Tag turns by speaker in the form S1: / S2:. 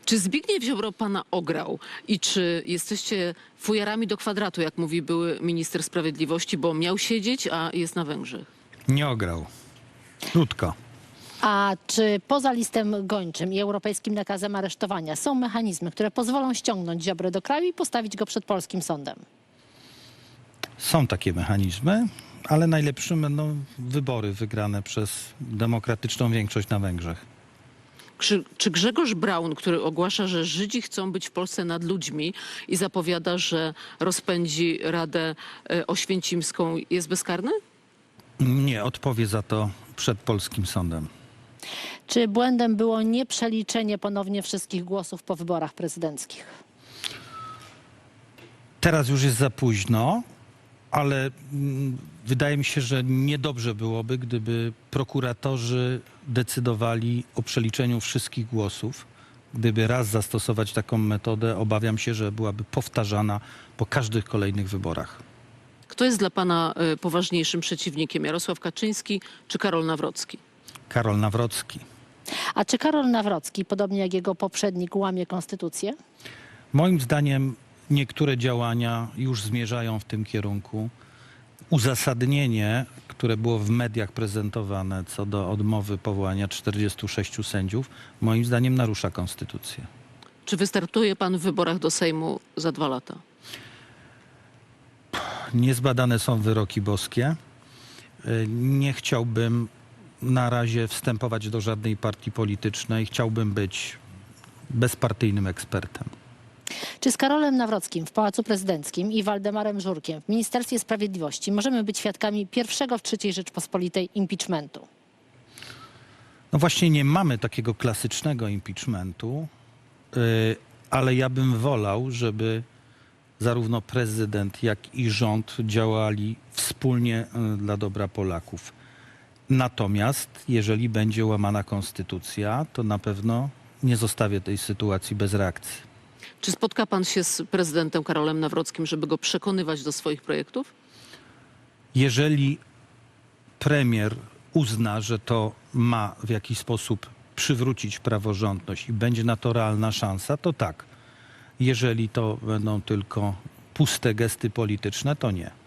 S1: Czy Zbigniew Ziobro pana ograł i czy jesteście fujarami do kwadratu, jak mówi były minister sprawiedliwości, bo miał siedzieć, a jest na Węgrzech?
S2: Nie ograł. Krótko.
S3: A czy poza listem gończym i europejskim nakazem aresztowania są mechanizmy, które pozwolą ściągnąć Ziobrę do kraju i postawić go przed polskim sądem?
S2: Są takie mechanizmy, ale najlepszym będą wybory wygrane przez demokratyczną większość na Węgrzech.
S1: Czy Grzegorz Braun, który ogłasza, że Żydzi chcą być w Polsce nad ludźmi i zapowiada, że rozpędzi Radę Oświęcimską, jest bezkarny?
S2: Nie odpowie za to przed polskim sądem.
S3: Czy błędem było nieprzeliczenie ponownie wszystkich głosów po wyborach prezydenckich?
S2: Teraz już jest za późno, ale wydaje mi się, że niedobrze byłoby, gdyby prokuratorzy decydowali o przeliczeniu wszystkich głosów. Gdyby raz zastosować taką metodę, obawiam się, że byłaby powtarzana po każdych kolejnych wyborach.
S1: Kto jest dla pana poważniejszym przeciwnikiem? Jarosław Kaczyński czy Karol Nawrocki?
S2: Karol Nawrocki.
S3: A czy Karol Nawrocki, podobnie jak jego poprzednik, łamie konstytucję?
S2: Moim zdaniem niektóre działania już zmierzają w tym kierunku. Uzasadnienie, które było w mediach prezentowane co do odmowy powołania 46 sędziów, moim zdaniem narusza konstytucję.
S1: Czy wystartuje pan w wyborach do Sejmu za 2 lata?
S2: Niezbadane są wyroki boskie. Nie chciałbym na razie wstępować do żadnej partii politycznej. Chciałbym być bezpartyjnym ekspertem.
S3: Czy z Karolem Nawrockim w Pałacu Prezydenckim i Waldemarem Żurkiem w Ministerstwie Sprawiedliwości możemy być świadkami pierwszego w III Rzeczpospolitej impeachmentu?
S2: No właśnie nie mamy takiego klasycznego impeachmentu, ale ja bym wolał, żeby zarówno prezydent, jak i rząd działali wspólnie dla dobra Polaków. Natomiast jeżeli będzie łamana konstytucja, to na pewno nie zostawię tej sytuacji bez reakcji.
S1: Czy spotka pan się z prezydentem Karolem Nawrockim, żeby go przekonywać do swoich projektów?
S2: Jeżeli premier uzna, że to ma w jakiś sposób przywrócić praworządność i będzie na to realna szansa, to tak. Jeżeli to będą tylko puste gesty polityczne, to nie.